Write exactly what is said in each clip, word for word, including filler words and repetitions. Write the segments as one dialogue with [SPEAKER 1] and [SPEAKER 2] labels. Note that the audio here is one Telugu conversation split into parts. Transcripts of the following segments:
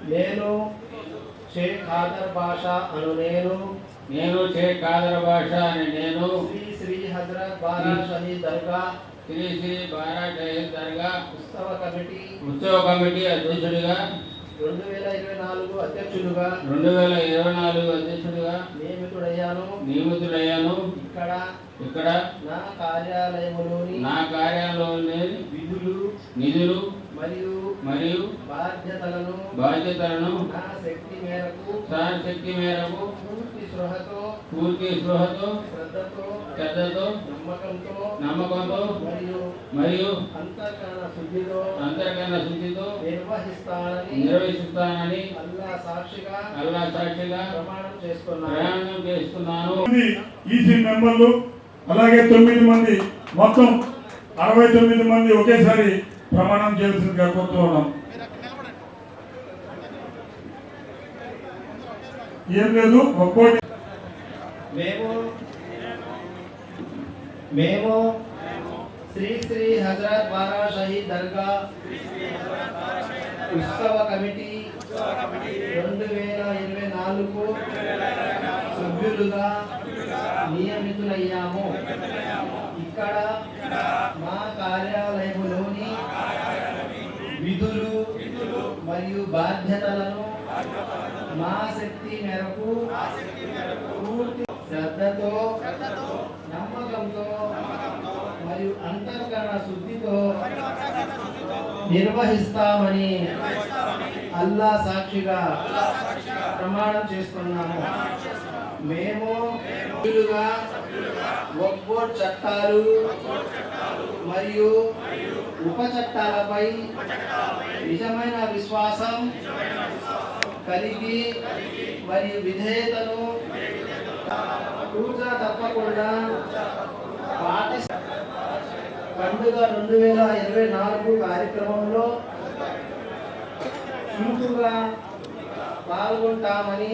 [SPEAKER 1] నేను షేక్ ఖాదర్ బాషా అను నేను
[SPEAKER 2] నేను షేక్ ఖాదర్ బాషా అని నేను
[SPEAKER 1] శ్రీ శ్రీ హజరత్ బారా షహీద్ దర్గా
[SPEAKER 2] శ్రీ శ్రీ బారా షహీద్ దర్గా
[SPEAKER 1] ఉత్సవ కమిటీ
[SPEAKER 2] ఉత్సవ కమిటీ అధ్యక్షుడిగా
[SPEAKER 1] రెండు వేల ఇరవై నాలుగు అధ్యక్షులుగా
[SPEAKER 2] రెండు వేల ఇరవై నాలుగు అధ్యక్షుడిగా
[SPEAKER 1] నియమితుడయ్యాను
[SPEAKER 2] నియమితుడయ్యాను
[SPEAKER 1] ఇక్కడ
[SPEAKER 2] ఇక్కడ
[SPEAKER 1] నా కార్యాలయంలోని
[SPEAKER 2] నా కార్యాలయంలోని
[SPEAKER 1] విధులు
[SPEAKER 2] నిధులు
[SPEAKER 1] మరియు
[SPEAKER 2] మరియు
[SPEAKER 1] బాధ్యతలను
[SPEAKER 2] బాధ్యతలను
[SPEAKER 1] నా శక్తి మేరకు
[SPEAKER 2] శక్తి మేరకు
[SPEAKER 1] పూర్తి స్పృహతో
[SPEAKER 2] పూర్తి స్పృహతో
[SPEAKER 1] శ్రద్ధతో
[SPEAKER 2] శ్రద్ధతో
[SPEAKER 1] నమ్మకంతో
[SPEAKER 2] నమ్మకంతో
[SPEAKER 1] మరియు
[SPEAKER 2] మరియు
[SPEAKER 1] అంతఃకరణ శుద్ధితో
[SPEAKER 2] అంతర్గత శుద్ధితో
[SPEAKER 1] నిర్వహిస్తానని
[SPEAKER 2] నిర్వహిస్తానని
[SPEAKER 1] అల్లా సాక్షిగా
[SPEAKER 2] అల్లా సాక్షిగా
[SPEAKER 1] ప్రమాణం చేస్తున్నాను
[SPEAKER 2] ప్రయాణం చేస్తున్నాను.
[SPEAKER 3] ఈసీ మెంబర్లు అలాగే తొమ్మిది మంది మొత్తం అరవై తొమ్మిది మంది ఒకేసారి ప్రమాణం చేయాల్సిందిగా కోరుతూ ఉన్నాం. ఏం లేదు ఒక్కోటి
[SPEAKER 1] మేము మేము శ్రీ శ్రీ హజరత్ బారా షహీద్ దర్గా ఉత్సవ కమిటీ రెండు వేల ఇరవై నాలుగు సభ్యులుగా నియమితులయ్యాము. ఇక్కడ మా కార్యాలయంలోని విధులు మరియు బాధ్యతలను మా శక్తి మేరకు పూర్తి శ్రద్ధతో నమ్మకంతో మరియు అంతఃకరణ శుద్ధితో నిర్వహిస్తామని అల్లా సాక్షిగా ప్రమాణం చేస్తున్నాము. మేము వక్ఫ్ బోర్డ్ చట్టాలు మరియు ఉప చట్టాలపై నిజమైన విశ్వాసం కలిగి మరియు విధేయతను తూచా తప్పకుండా పాటిస్తా పండుగ రెండు వేల ఇరవై నాలుగు కార్యక్రమంలో చురుకుగా పాల్గొంటామని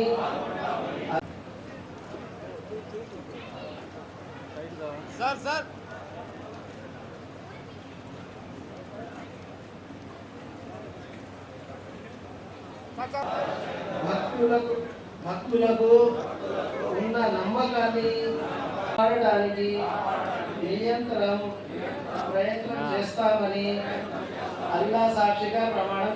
[SPEAKER 4] సార్ సార్
[SPEAKER 1] భక్తులకు భక్తులకు ఉన్న నమ్మకాన్ని కాపాడడానికి నిరంతరం ప్రయత్నం చేస్తామని అల్లా సాక్షిగా ప్రమాణం.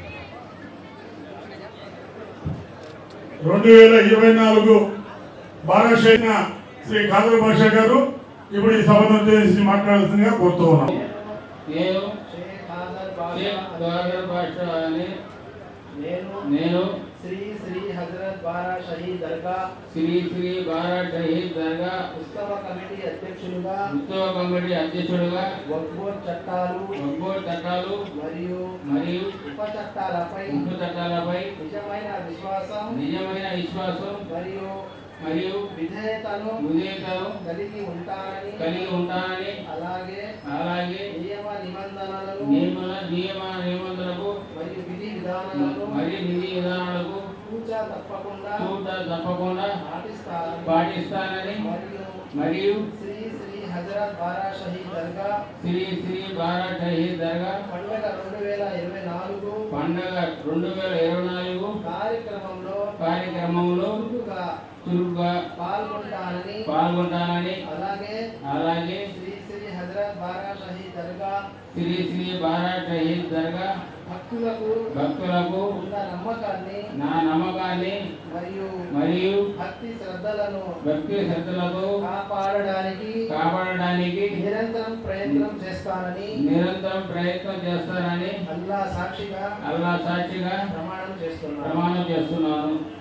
[SPEAKER 3] రెండు వేల ఇరవై నాలుగు బారా షహీద్ శ్రీ ఖాదర్ బాషా గారు ఇప్పుడు ఈ సభను ఉద్దేశించి మాట్లాడాల్సిందిగా కోరుతూ ఉన్నాం.
[SPEAKER 2] నేను
[SPEAKER 1] షేక్ ఖాదర్
[SPEAKER 2] బాషా అని
[SPEAKER 1] నేను
[SPEAKER 2] నేను
[SPEAKER 1] శ్రీ శ్రీ హజరత్ బారా షహీద్ దర్గా
[SPEAKER 2] శ్రీ శ్రీ బారా షహీద్ దర్గా
[SPEAKER 1] ఉత్సవ కమిటీ అధ్యక్షులుగా
[SPEAKER 2] ఉత్సవ కమిటీ అధ్యక్షుడుగా
[SPEAKER 1] వక్ఫ్ బోర్డ్ చట్టాలు
[SPEAKER 2] వక్ఫ్ బోర్డ్ చట్టాలు
[SPEAKER 1] మరియు
[SPEAKER 2] మరియు
[SPEAKER 1] ఉప చట్టాలపై
[SPEAKER 2] ఉప చట్టాలపై
[SPEAKER 1] నిజమైన విశ్వాసం
[SPEAKER 2] నిజమైన విశ్వాసం
[SPEAKER 1] మరియు
[SPEAKER 2] మరియు
[SPEAKER 1] విధేయతను
[SPEAKER 2] విధేయతను
[SPEAKER 1] కలిగి ఉంటానని
[SPEAKER 2] కలిగి ఉంటానని
[SPEAKER 1] అలాగే
[SPEAKER 2] అలాగే
[SPEAKER 1] నియమ నిబంధనలను
[SPEAKER 2] నియమ నియమ నిబంధనలకు
[SPEAKER 1] మరియు విధి విధానాలను
[SPEAKER 2] మరియు విధి విధానాలకు
[SPEAKER 1] తూచా తప్పకుండా
[SPEAKER 2] తూచా తప్పకుండా
[SPEAKER 1] పాటిస్తానని
[SPEAKER 2] పాటిస్తానని
[SPEAKER 1] మరియు
[SPEAKER 2] మరియు
[SPEAKER 1] శ్రీ శ్రీ హజరత్ బారా షహీద్ దర్గా
[SPEAKER 2] శ్రీ శ్రీ బారా షహీద్ దర్గా
[SPEAKER 1] పండుగ రెండు వేల ఇరవై నాలుగు
[SPEAKER 2] పండుగ రెండు వేల ఇరవై నాలుగు
[SPEAKER 1] కార్యక్రమంలో
[SPEAKER 2] కార్యక్రమంలో
[SPEAKER 1] చురుకుగా
[SPEAKER 2] చురుగ్గా
[SPEAKER 1] పాల్గొంటానని
[SPEAKER 2] పాల్గొంటానని
[SPEAKER 1] అలాగే
[SPEAKER 2] అలాగే
[SPEAKER 1] శ్రీ శ్రీ హజరత్ బారా షహీద్ దర్గా
[SPEAKER 2] శ్రీ శ్రీ బారా షహీద్ దర్గా
[SPEAKER 1] భక్తులకు
[SPEAKER 2] భక్తులకు
[SPEAKER 1] ఉన్న నమ్మకాన్ని
[SPEAKER 2] నా నమ్మకాన్ని
[SPEAKER 1] మరియు
[SPEAKER 2] మరియు
[SPEAKER 1] భక్తి శ్రద్ధలను
[SPEAKER 2] భక్తి శ్రద్ధలతో
[SPEAKER 1] కాపాడడానికి
[SPEAKER 2] కాపాడడానికి
[SPEAKER 1] నిరంతరం ప్రయత్నం చేస్తానని
[SPEAKER 2] నిరంతరం ప్రయత్నం చేస్తానని
[SPEAKER 1] అల్లా సాక్షిగా
[SPEAKER 2] అల్లా సాక్షిగా
[SPEAKER 1] ప్రమాణం చేస్తున్నాను.
[SPEAKER 2] ప్రమాణం చేస్తున్నాను.